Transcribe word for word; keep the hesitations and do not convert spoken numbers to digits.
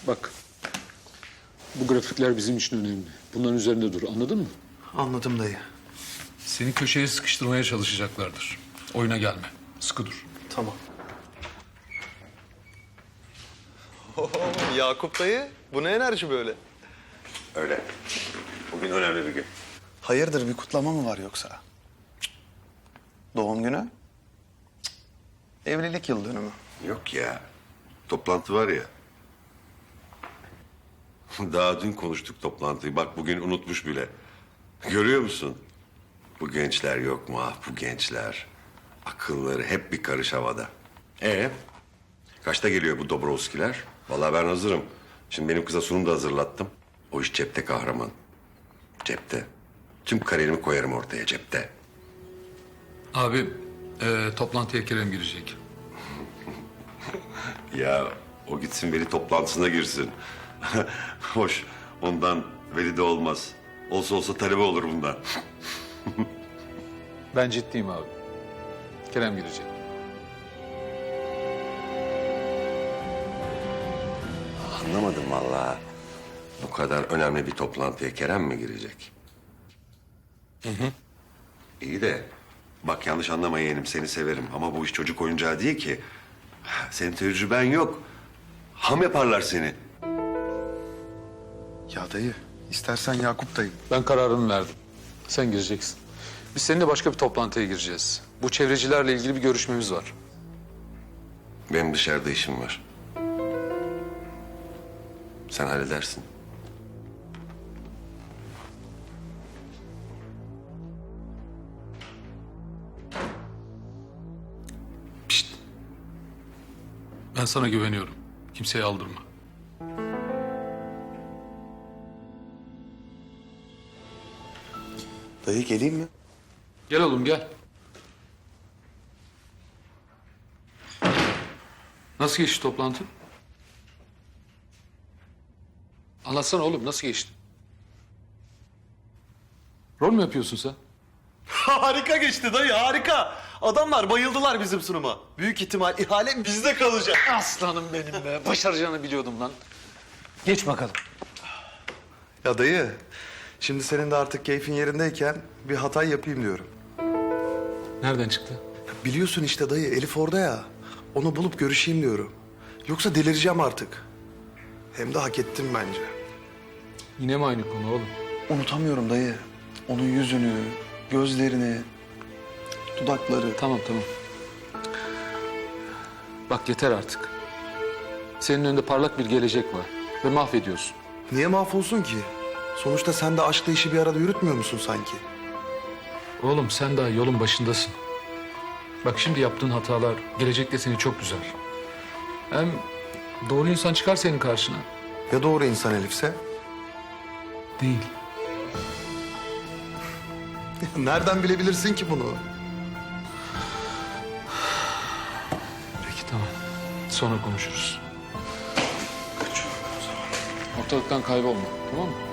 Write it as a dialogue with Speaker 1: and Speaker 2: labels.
Speaker 1: Bak. Bu grafikler bizim için önemli. Bunların üzerinde dur. Anladın mı?
Speaker 2: Anladım dayı.
Speaker 3: Seni köşeye sıkıştırmaya çalışacaklardır. Oyuna gelme. Sıkı dur.
Speaker 2: Tamam. Yakup dayı, bu ne enerji böyle?
Speaker 4: Öyle. Bugün önemli bir gün.
Speaker 2: Hayırdır, bir kutlama mı var yoksa? Cık. Doğum günü? Cık. Evlilik yıl dönümü.
Speaker 4: Yok ya. Toplantı var ya. Daha dün konuştuk toplantıyı. Bak bugün unutmuş bile. Görüyor musun? Bu gençler yok mu? Ah bu gençler. Akılları hep bir karış havada. Ee, kaçta geliyor bu Dobrovskiler? Vallahi ben hazırım. Şimdi benim kıza sunum da hazırlattım. O iş cepte kahraman. Cepte. Tüm kariyerimi koyarım ortaya cepte.
Speaker 3: Abi e, toplantıya Kerem girecek.
Speaker 4: Ya o gitsin veli toplantısına girsin. Hoş ondan veli de olmaz. Olsa olsa talebe olur bundan.
Speaker 1: Ben ciddiyim abi. Kerem girecek.
Speaker 4: Anlamadım vallahi. Bu kadar önemli bir toplantıya Kerem mi girecek? Hı hı. İyi de bak yanlış anlama yeğenim seni severim ama bu iş çocuk oyuncağı değil ki. Senin tecrüben yok. Ham yaparlar seni.
Speaker 2: Ya dayı, istersen Yakup dayı.
Speaker 1: Ben kararımı verdim. Sen gireceksin. Biz seninle başka bir toplantıya gireceğiz. Bu çevrecilerle ilgili bir görüşmemiz var.
Speaker 4: Benim dışarıda işim var. Sen halledersin.
Speaker 3: Pişt. Ben sana güveniyorum. Kimseye aldırma.
Speaker 2: Dayı geleyim mi?
Speaker 3: Gel oğlum gel. Nasıl geçti toplantı? Anlatsana oğlum nasıl geçti? Rol mü yapıyorsun sen?
Speaker 2: Harika geçti dayı, harika. Adamlar bayıldılar bizim sunuma. Büyük ihtimal ihale bizde kalacak.
Speaker 1: Aslanım benim be. Başaracağını biliyordum lan. Geç bakalım.
Speaker 2: Ya dayı, şimdi senin de artık keyfin yerindeyken bir hata yapayım diyorum.
Speaker 1: Nereden çıktı?
Speaker 2: Biliyorsun işte dayı, Elif orada ya. Onu bulup görüşeyim diyorum. Yoksa delireceğim artık. Hem de hak ettim bence.
Speaker 1: Yine mi aynı konu oğlum?
Speaker 2: Unutamıyorum dayı. Onun yüzünü, gözlerini, dudakları.
Speaker 1: Tamam tamam. Bak yeter artık. Senin önünde parlak bir gelecek var. Ve mahvediyorsun.
Speaker 2: Niye mahvolsun ki? Sonuçta sen de aşkla işi bir arada yürütmüyor musun sanki?
Speaker 3: Oğlum sen daha yolun başındasın. Bak şimdi yaptığın hatalar gelecekte seni çok üzer. Hem doğru insan çıkar senin karşına.
Speaker 2: Ya doğru insan Elif'se?
Speaker 3: Değil.
Speaker 2: Nereden bilebilirsin ki bunu?
Speaker 3: Peki tamam. Sonra konuşuruz.
Speaker 2: Kaçıyorum o zaman.
Speaker 1: Ortalıktan kaybolma. Tamam mı?